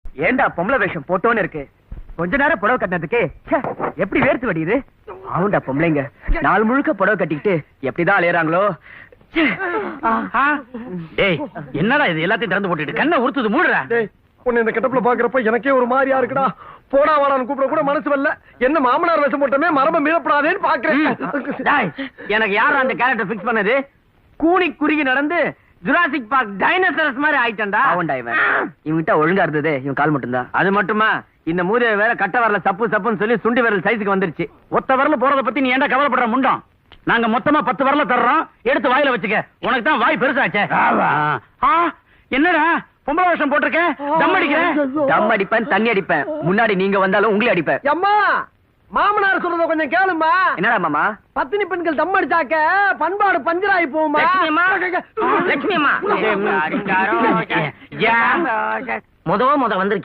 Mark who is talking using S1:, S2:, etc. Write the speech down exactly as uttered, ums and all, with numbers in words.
S1: ஏண்டா பொம்பளை வேஷம் போட்டோன்னு இருக்கு, கொஞ்ச நேரம் புடவை கட்டினதுக்கு எப்படி வேர்த்து வடியுது. ஆவுண்டா பொம்பளைங்க நாள் முழுக்க புடவை கட்டிக்கிட்டு எப்படிதான் அலையறாங்களோ.
S2: என்னடா இது எல்லாத்தையும் திறந்து போட்டுட்டு கண்ணை உறுத்துது, மூடுறா.
S3: உன்னை இந்த கெட்டப்ல பாக்குறப்ப எனக்கே ஒரு மாதிரியா இருக்குடா. போடா வாடான்னு கூப்பிட கூட மனசு வரல. என்ன மாமனார் வேஷம் போட்டமே மரப மீறப்படாதேன்னு பாக்குறேன்.
S2: எனக்கு யாரும் அந்த கேரக்டர் பிக்ஸ் பண்ணது? கூனி குறுகி நடந்து ஜுராசிக் பார்க் டைனோசரஸ் மாதிரி ஆயிட்டா.
S1: ஆவுண்டா இவன் இவன்கிட்ட ஒழுங்கா இருந்தது இவன் கால் மட்டும்தான்.
S2: அது மட்டுமா, இந்த மூதேவி வேற கட்ட வரல சப்பு சப்புன்னு சொல்லி சுண்டி விரல் சைஸுக்கு வந்துருச்சு. ஒத்த வரல போறத பத்தி நீ ஏன்டா கவலைப்படுற முண்டம்? நாங்க மொத்தமா பத்து வரல தர்றோம், எடுத்து வாயில வச்சுக்க. உனக்கு தான் வாய் பெருசாச்சே. என்னடா பொம்பளை வேஷம் போட்டிருக்க? தம் அடிக்கிறேன்.
S1: தம் அடிப்பேன், தண்ணி அடிப்பேன். முன்னாடி நீங்க வந்தாலும் உங்களே அடிப்பேன்.
S3: அம்மா மாமனார் சொல்றத கொஞ்சம் கேளுமா.
S1: என்னடா மாமா?
S3: பத்தினி பெண்கள் தம் அடிச்சாக்க பண்பாடு பஞ்சராயி போகுமா?
S2: லட்சுமி அம்மா முத முத வந்து